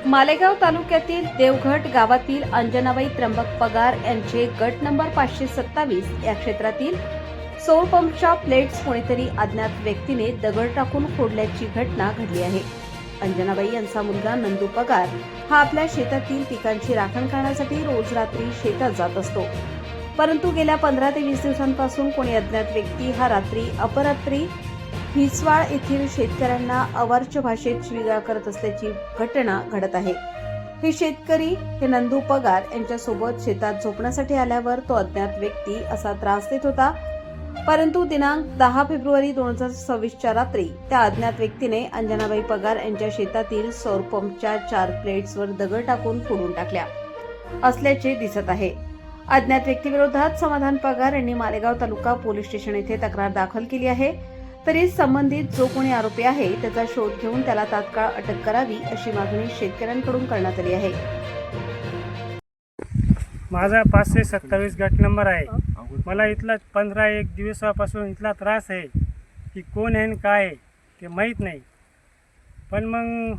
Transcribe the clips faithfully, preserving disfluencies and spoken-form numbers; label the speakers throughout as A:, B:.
A: मालेगाव तालुक्यातील देवघट गावातील अंजनाबाई त्र्यंबक पगार यांचे गट नंबर पाचशे सत्तावीस या क्षेत्रातील सौर पंपच्या प्लेट्स कोणीतरी अज्ञात व्यक्तीने दगड टाकून फोडल्याची घटना घडली आहे. अंजनाबाई यांचा मुलगा नंदू पगार हा आपल्या शेतातील पिकांची राखण करण्यासाठी रोज रात्री शेतात जात असतो. परंतु गेल्या पंधरा ते वीस दिवसांपासून कोणी अज्ञात व्यक्ती हा रात्री अपरात्री हिसवाळ येथील शेतकऱ्यांना अवाच्य भाषेत शिवीगाळ करत असल्याची घटना घडत आहे. हे शेतकरी हे नंदू पगार यांच्यासोबत शेतात झोपण्यासाठी आल्यावर तो अज्ञात व्यक्ती असा त्रास देत होता. परंतु दिनांक दहा फेब्रुवारी दोन हजार सव्वीसच्या रात्री त्या अज्ञात व्यक्तीने अंजनाबाई पगार यांच्या शेतातील सौर पंपच्या चार प्लेट्सवर दगड टाकून फोडून टाकल्या असल्याचे दिसत आहे. अज्ञात व्यक्तीविरोधात समाधान पगार यांनी मालेगाव तालुका पोलीस स्टेशन येथे तक्रार दाखल केली आहे. तरी संबंधित जो कोणी आरोपी आहे त्याचा शोध घेऊन त्याला तात्काळ अटक करावी अशी मागणी शेतकऱ्यांकडून करण्यात आली आहे.
B: माझा पाचशे सत्तावीस गट नंबर आहे. मला इथला पंधरा एक दिवसापासून इथला त्रास आहे की कोण आहे आणि काय आहे ते माहीत नाही. पण मग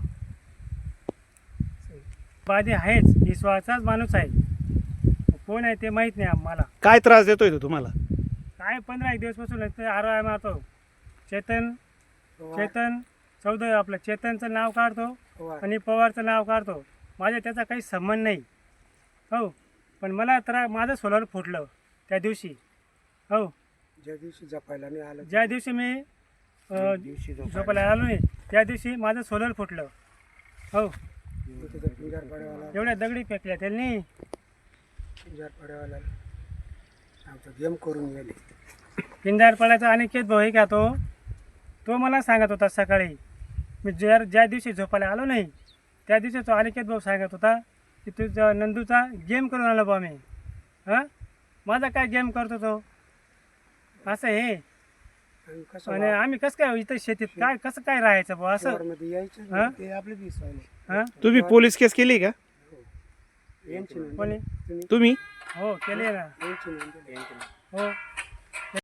B: बाधी आहेच, विश्वासाचाच माणूस आहे, कोण आहे ते माहीत नाही आम्हाला.
C: काय त्रास देतोय तो तुम्हाला?
B: काय पंधरा एक दिवसपासून इथे आरोग्य मारतो. चेतन चेतन चौधरी आपलं चेतनचं नाव काढतो आणि पवारचं नाव काढतो. माझ्या त्याचा काही संबंध नाही. हो, पण मला तर माझं सोलर फुटलं त्या दिवशी. हो,
D: ज्या दिवशी जपायला नाही आलं,
B: ज्या दिवशी मी झोपायला आलो नाही त्या दिवशी माझं सोलर फुटलं. हो, एवढ्या दगडी फेकल्या त्यांनी.
D: पिंजारपाड्यावाला आमचा गेम करून गेले.
B: पिंजारपाड्याचा अनिकेत भाऊ आहे का तो तो मला सांगत होता सकाळी. मी ज्या ज्या दिवशी झोपायला आलो नाही त्या दिवशी तो अनिकेत भाऊ सांगत होता की तुझा नंदूचा गेम करून आलो बा मी. हां, माझा काय गेम करतो तो असं हे. आणि आम्ही कसं काय इथं शेतीत काय कसं काय राहायचं बा असं. हां
D: ते आपले दिस
B: हां,
C: तुम्ही पोलीस केस केली का?
B: कोणी
C: तुम्ही
B: हो केली ना. हो.